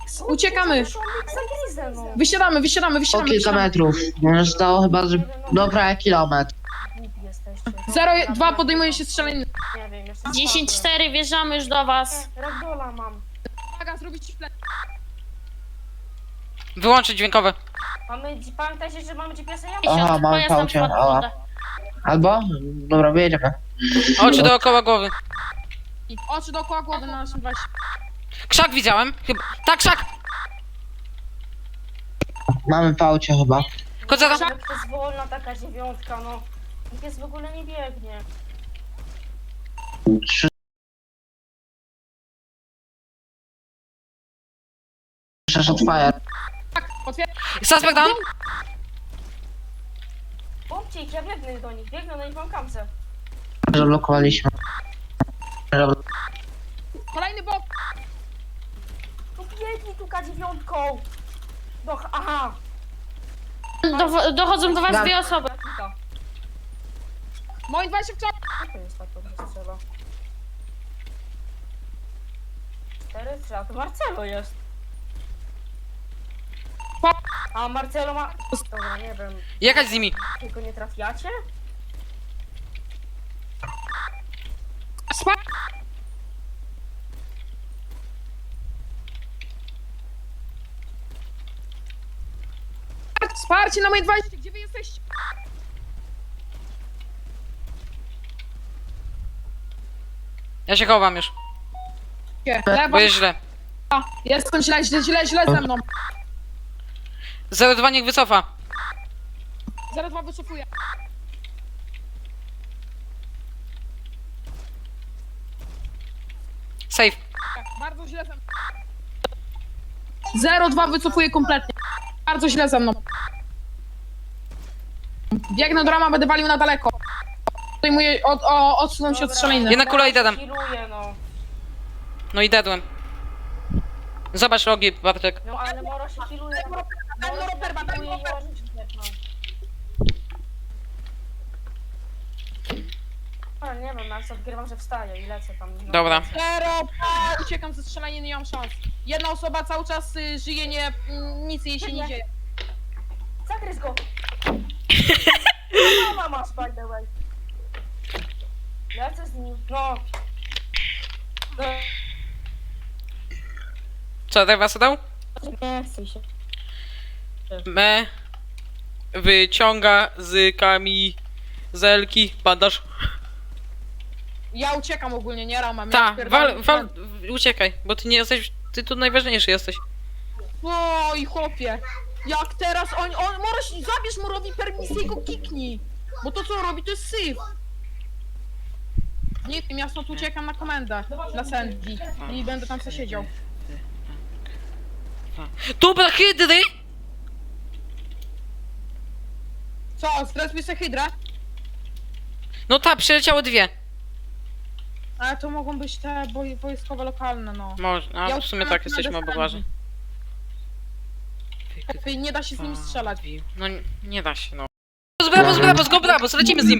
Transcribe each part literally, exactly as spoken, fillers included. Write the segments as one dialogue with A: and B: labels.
A: Uciekamy. Wysiadamy, wysiadamy,
B: O
A: wysiadamy.
B: kilka
A: wysiadamy.
B: metrów. Może zostało chyba, że dobra kilometr.
A: zero dwa podejmuje się strzelaniny.
C: Nie wiem, jeszcze
D: dziesięć cztery, wjeżdżamy już do was.
C: Ragdola mam.
A: Uwaga, zrobić ci plec.
E: Wyłączyć dźwiękowe.
C: Mamy, pamiętajcie, że mamy G P S-a. Ja
B: Aha, mamy
D: Pojazd nam
B: paucie,
D: wpadł w
B: ała.
D: wodę.
B: Albo? Dobra, wyjedziemy.
E: Oczy dookoła głowy.
A: Oczy dookoła głowy na naszym dwadzieścia.
E: Krzak widziałem. Chyba. Tak, krzak!
B: Mamy paucie chyba.
E: Kozera.
C: Jak to jest wolna taka dziewiątka, no. Pies w ogóle nie biegnie.
B: Trzy... Shot fire.
A: Tak, otwieram.
E: Suspect down.
C: Bombcie ich, ja biegnę do nich, biegnę do nich, mam kamce.
B: Zablokowaliśmy.
A: Kolejny bok.
C: No biegnij tu K dziewięć. Do, aha.
D: Do, dochodzą do was
B: Da.
D: dwie osoby.
C: Rakita.
A: Moje dwadzieścia w czas.
C: Co to jest tak dobrze strzela? Cztery strzela, to Marcelo jest. A Marcelo ma... Dobra, nie wiem.
E: Jechać z nimi.
C: Tylko nie trafiacie?
A: Spa. Wsparcie na moje dwadzieścia. Gdzie wy jesteście?
E: Ja się chowam już.
A: Lewa.
E: Bo jest źle.
A: Jestem źle, źle, źle, źle ze mną.
E: zero dwa niech wycofa.
A: zero dwa wycofuję.
E: Safe.
A: Bardzo źle ze mną. zero dwa wycofuję kompletnie. Bardzo źle ze mną. Biegnę do rama, będę walił na daleko. Zdejmuję, od, o, odsunąć się od strzeliny.
E: Jedna kula i dedam.
C: Healuję, no.
E: No i dedłem. Zobacz logi, Bartek.
C: No ale Moro się healuje. Moro
A: daj mu
C: się
A: roperba, daj mu
C: healuje i
A: roperba.
C: może się tepnąć. A nie wiem, ja sobie odgrywam, że wstaję i lecę tam. No,
E: Dobra.
C: lecę.
A: Zero, a, uciekam ze strzelaniny, nie mam szans. Jedna osoba cały czas y, żyje, nie, mm, nic jej się nie dzieje.
C: Zagryz go! Mama masz, by the way. Lecę z nim. No. No.
E: Co, tak was dał?
C: Nie chcę się.
E: Me wyciąga z kamizelki bandaż.
A: Ja uciekam ogólnie, nie ramam.
E: Ta,
A: ja
E: wal, wal, uciekaj, bo ty nie jesteś, ty tu najważniejszy jesteś.
A: Oj, chłopie. Jak teraz on, on, Moroś, zabierz Morowi permisję i go kiknij. Bo to co on robi, to jest syf. Nie wiem, ja stąd uciekam na komendę dla Sandy i będę tam sobie siedział.
E: Dobra, hydry!
A: Co, zrespię sobie hydrę?
E: No ta, przyleciały dwie.
A: Ale to mogą być te boj, wojskowe lokalne, no.
E: Może, a
A: Ja
E: w sumie
A: uciekam
E: tak,
A: na
E: jesteśmy
A: komendę
E: obowarzy.
A: Sandy. Nie da się z nimi strzelać.
E: No nie, nie da się, no. Z brabos, brabos, go brabos, lecimy z nim.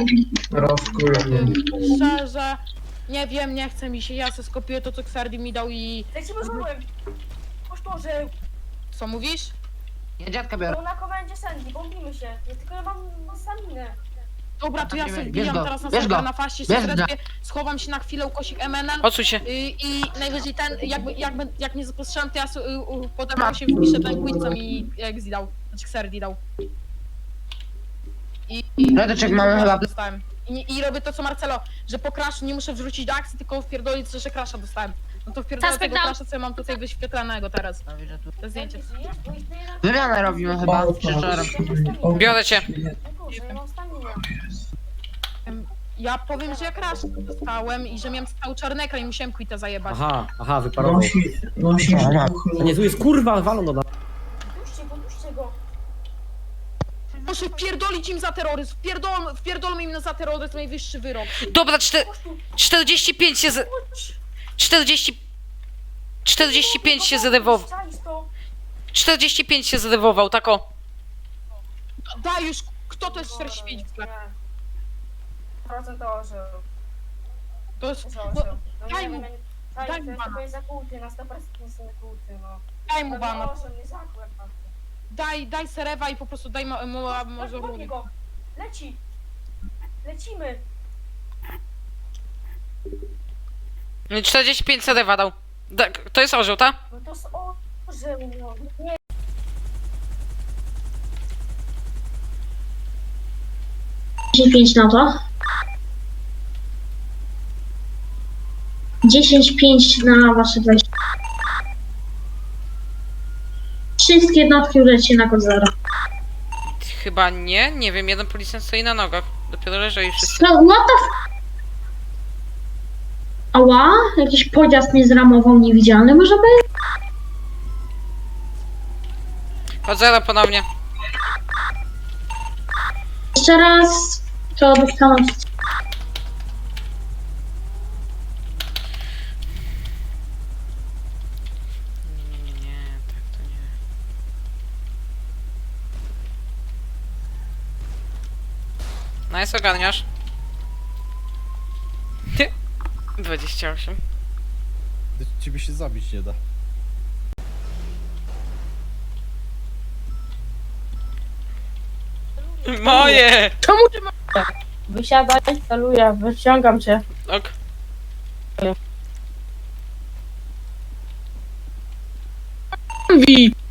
A: Szczerze, nie wiem, nie chce mi się, ja se skopiuję to, co Xardi mi dał i...
C: Lecimy z murem. Boże,
A: Co mówisz?
B: Ja dziadka biorę.
C: to na komendzie Sandy, bombimy się. Ja tylko ja mam staminę.
A: Dobra, to ja sobie
B: Bierz
A: wbijam
B: go,
A: teraz na
B: bierz
A: serwer
B: go,
A: na faście,
B: bierz
A: sobie
B: go.
A: zrespię, schowam się na chwilę, ukośnik M N N
E: Odsuń się.
A: y, i najwyżej ten, jakby, jakby, jak nie zapostrzelam, to ja so, y, y, potem się wpiszę ten quiz, co mi Exi dał, znaczy Xerdi dał. I, i,
B: Radeczek,
A: i
B: mamy chyba-
A: dostałem. I, I robię to co Marcelo, że po crashu nie muszę wrzucić do akcji, tylko wpierdolić, że crasha dostałem. No to wpierdolę
D: Suspect
A: tego
D: down.
A: crasha, co ja mam tutaj wyświetlanego teraz. To zdjęcie.
C: Sandy, żyjesz? Bo ich to jeden...
B: Wymianę robimy chyba. Szczerze.
E: Biorę cię.
C: Boże, ja mam staminę.
A: Ja powiem, że ja crash dostałem i że miałem cały czarny ekran i musiałem quita zajebać.
F: Aha, aha, wyparował.
B: No, no.
F: To nie, tu jest kurwa, walą do nas.
C: Puśćcie go, puśćcie go.
A: Muszę wpierdolić im za terroryzm, wpierdol, wpierdolmy im za terroryzm najwyższy wyrok.
E: Dobra, czter,
C: Chodź tu,
E: czterdzieści pięć się z...
C: chodź.
E: czterdzieści... czterdzieści pięć się zrewował.
C: Czaisz to?
E: czterdzieści pięć się zrewował, tak o.
A: Daj już, kto to jest czterdzieści pięć w
C: Nie.
A: sklepie?
C: Procent to orzeł.
A: To jest,
C: To
A: no,
C: orzeł. No
A: daj
C: nie
A: mu.
C: wiem, ja nie- Daj,
A: Daj
C: to
A: mu
C: jest
A: bana.
C: tylko zakłuty, na sto procent jest zakłuty, no.
A: Daj mu bana.
C: Proszę, nie zakład.
A: Daj, daj Serewa i po prostu daj mo, mo,
C: Chodź,
A: Mozorowi.
C: chodź go. Leci. Lecimy.
E: czterdzieści pięć serewa dał. Tak, to jest orzeł, tak?
C: No to jest orzeł, no. Nie.
G: pięć na to. dziesięć pięć na wasze dwadzieścia. Wszystkie jednostki ulecie na kod zero.
E: Chyba nie, nie wiem, jeden policjant stoi na nogach. Dopiero leży i wszyscy.
G: No, what the f... Ała? Jakiś pojazd mnie zramował niewidzialny może być?
E: Od zera ponownie.
G: Jeszcze raz. To być tam.
E: Nie, tak to nie. Nice, ogarniasz. dwadzieścia osiem.
H: Ciebie się zabić nie da.
E: Moje!
A: Czemu ty ma...
C: Wysiadaj, celuję, wyciągam cię.
E: Ok.
A: Wi?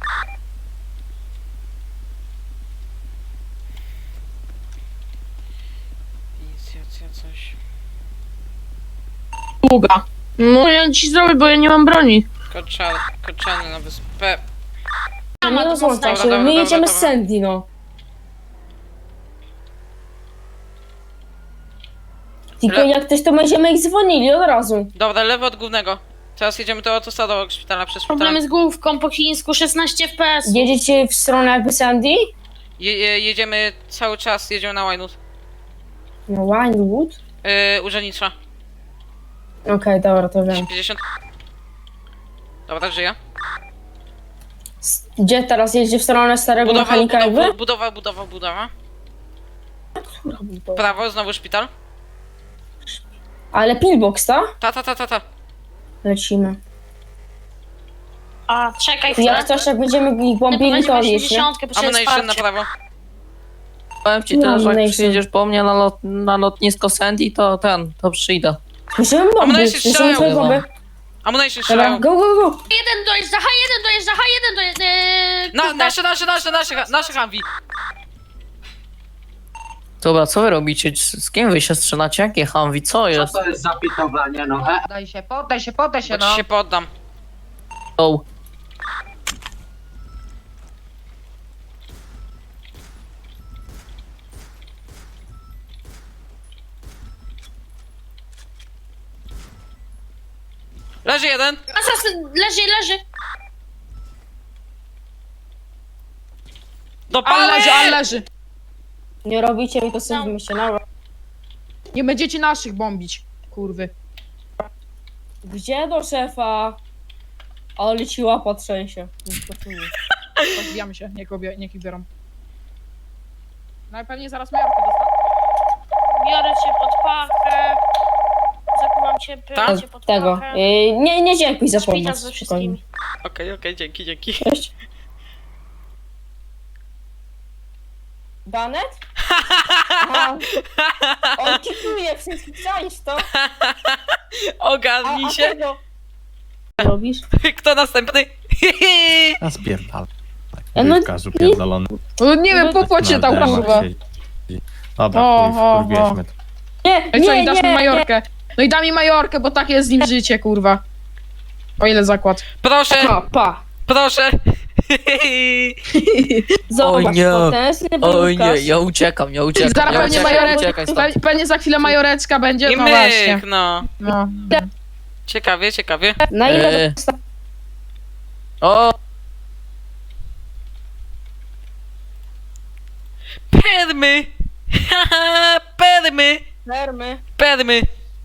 E: Inicjacja coś.
A: Długa. No ja ci zrobię, bo ja nie mam broni.
E: Koczany, koczany na wyspę.
C: No
D: ma
C: nie
D: to
C: rozłączaj
E: Dobra,
C: się,
E: dobra,
C: my
E: dobra,
C: jedziemy
E: dobra.
C: z Sandy, no. Tylko
E: Le-
C: jak ktoś to będziemy ich dzwonili od razu.
E: Dobra, lewo od głównego. Teraz jedziemy do autostrady obok szpitala, przez szpital.
D: Problemy z główką po chińsku szesnaście F P S.
C: Jedziecie w stronę jakby Sandy?
E: Je, je, jedziemy cały czas, jedziemy na Winewood.
C: No Winewood?
E: Yy, urzędnicza.
C: Okej, dobra, to wiem.
E: pięćdziesiąt. Dobra, żyje.
C: S- Gdzie teraz jedzie w stronę starego
E: Budowa,
C: mechanika
E: budowa,
C: jakby?
E: budowa, budowa, budowa. Prawo, znowu szpital.
C: Ale pillbox, ta?
E: Ta, ta, ta, ta, ta.
C: Lecimy.
D: A, czekaj
C: Jak
D: chwilę.
C: coś, jak będziemy ich bombili, to odjedź, nie?
D: osiemdziesiąt, bo się
E: Ammunition na
D: wsparcie.
E: prawo.
I: Powiem ci
C: No,
I: teraz, że jak
C: Mason.
I: przyjedziesz po mnie na, lot, na lotnisko Sandy, to ten, to przyjdę.
C: Słyszymy
E: A
C: bomby,
E: one się
C: słyszymy
E: strzelają.
C: twoje bomby.
E: Ammunition
C: Dobra,
E: strzelają.
C: go, go, go!
D: jeden dojeżdża, H jeden dojeżdża, H jeden dojeżdża. Yy,
E: Na,
D: kurde.
E: nasze, nasze, nasze, nasze, nasze Humvee.
I: Dobra, co wy robicie? Z z kim wy się strzelacie? Jakie Humvee? Co jest?
B: to jest zapitowanie, no? E, Poddaj się, poddaj się, poddaj się,
E: Bo ci
B: no.
E: się poddam.
I: O,
E: Leży jeden.
D: Asasyn, leży, leży.
A: Ale leży, ale
E: Dopalę!
A: leży.
C: Nie robicie mi to
D: No.
C: sobie się na...
A: Nie będziecie naszych bombić, kurwy.
C: Gdzie do szefa? Ale ci łapa trzęsie.
A: Rozbijamy się, niech, obie, niech ich biorą. No i pewnie zaraz Majorkę dostanę.
D: Biorę cię pod pachę. Zakuwam cię, biorę
E: Tak?
D: cię pod
C: Tego.
D: pachę.
C: Yy, nie, nie dziękuj za
D: Szpital
C: pomoc.
D: ze
C: Spokojnie.
D: wszystkimi.
E: Okej, okej, dzięki, dzięki.
C: Cześć. Banet? Aha. On kikuje wszystkich, czaisz to? A,
E: Ogarnij
C: a
E: się.
C: tego? Robisz?
E: Kto następny?
H: A spierdal.
C: E, no,
H: Wywkazu pierdolony.
A: No, nie wiem, po płocie
H: Na
A: tam
H: demach
A: kurwa.
H: siedzi. Dobra,
A: O,
H: chuj,
A: o,
H: wkurwieliśmy to.
C: Nie,
A: No i co,
C: nie,
A: i dasz
C: nie,
A: mi
C: nie.
A: Majorkę. No i da mi Majorkę, bo takie jest z nim życie, kurwa. O ile zakład?
E: Proszę,
C: Pa, pa.
E: proszę.
C: Zobacz,
I: O nie.
C: potężny
I: oj nie,
C: bojówkarz.
I: ja uciekam, ja uciekam.
A: Zaraz
I: ja
A: pewnie
I: uciekam,
A: Majoreczka,
I: uciekaj stąd.
A: pe- pewnie za chwilę Majoreczka będzie,
E: I
A: no właśnie.
E: myk, no.
A: No.
E: Ciekawie, ciekawie.
C: Na ile
I: Eee.
C: dosta-
I: O,
E: Permy! Haha, permy!
C: Permy.
E: Permy!